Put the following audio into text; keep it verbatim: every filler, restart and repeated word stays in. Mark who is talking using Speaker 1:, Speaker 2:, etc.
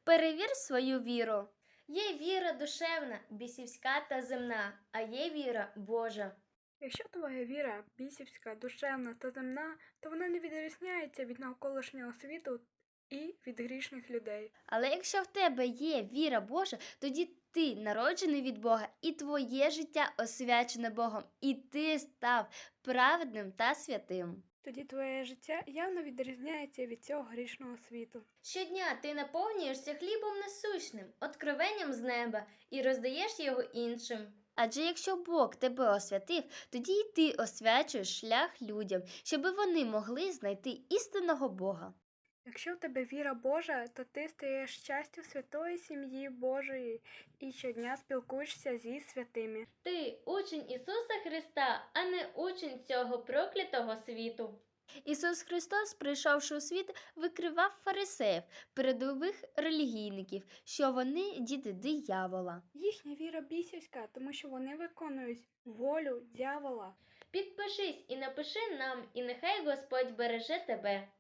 Speaker 1: Перевір свою віру. Є віра душевна, бісівська та земна, а є віра Божа.
Speaker 2: Якщо твоя віра бісівська, душевна та земна, то вона не відрізняється від навколишнього світу і від грішних людей.
Speaker 1: Але якщо в тебе є віра Божа, тоді ти народжений від Бога, і твоє життя освячене Богом, і ти став праведним та святим.
Speaker 2: Тоді твоє життя явно відрізняється від цього грішного світу.
Speaker 1: Щодня ти наповнюєшся хлібом насущним, откровенням з неба, і роздаєш його іншим. Адже якщо Бог тебе освятив, тоді й ти освячуєш шлях людям, щоби вони могли знайти істинного Бога.
Speaker 2: Якщо в тебе віра Божа, то ти стаєш частю святої сім'ї Божої і щодня спілкуєшся зі святими.
Speaker 1: Ти учень Ісуса Христа, а не учень цього проклятого світу. Ісус Христос, прийшовши у світ, викривав фарисеїв, передових релігійників, що вони діти диявола.
Speaker 2: Їхня віра бісівська, тому що вони виконують волю дьявола.
Speaker 1: Підпишись і напиши нам, і нехай Господь береже тебе.